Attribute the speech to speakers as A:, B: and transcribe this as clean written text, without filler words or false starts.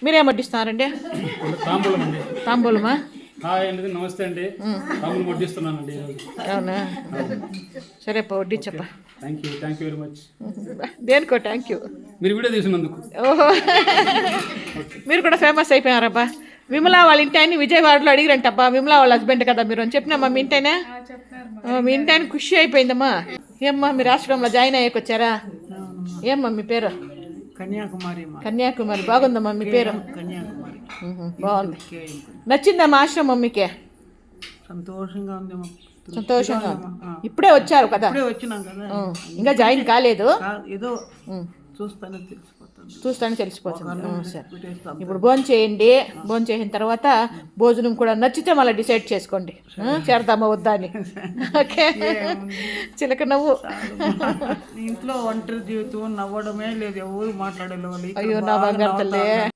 A: మీరేం వడ్డిస్తున్నారండి?
B: తాంబూలం అండి.
A: తాంబూలమా?
B: హాయ్ అండి, నమస్తే అండి. తాంబూలం వడ్డిస్తున్నానండి ఈరోజు.
A: అవునా, సరే అప్ప వడ్డించప్ప.
B: Thank you very much.
A: దేనికో థ్యాంక్ యూ.
B: మీరు వీడియో తీసినందుకు.
A: ఓహో, మీరు కూడా ఫేమస్ అయిపోయారబ్బా. విమలా వాళ్ళ ఇంటి ఆయన విజయవాడలో అడిగిరంటబ్బా. విమలా వాళ్ళ హస్బెండ్ కదా మీరు అని చెప్పినామ్మా. మీ ఇంటైనా మీ ఇంటి ఆయన ఖుషి అయిపోయిందమ్మా. ఏమ్మా మీరు ఆశ్రమంలో జాయిన్ అయ్యాక వచ్చారా? ఏమ్మా మీ పేరు? కన్యాకుమారి. బాగుందమ్మా మీ పేరు. బాగుంది. నచ్చిందమ్మా ఆశ్రమం మీకే?
C: సంతోషంగా ఉంది.
A: సంతోషంగా ఉంది. ఇప్పుడే వచ్చారు కదా? ఇంకా జాయిన్ కాలేదు.
C: ఏదో
A: చూస్తానే తెలిసిపోతుంది. సరే, ఇప్పుడు భోజనం చేయండి. భోజనం చేసిన తర్వాత భోజనం కూడా నచ్చితే మళ్ళీ డిసైడ్ చేసుకోండి చేరదామా వద్దా అని. ఓకే, చిలక నవ్వు.
C: ఇంట్లో ఒంటరి జీవితం, నవ్వడమే లేదు, ఎవరు మాట్లాడలేదు.
A: అయ్యో నా బంగారు తల్లి.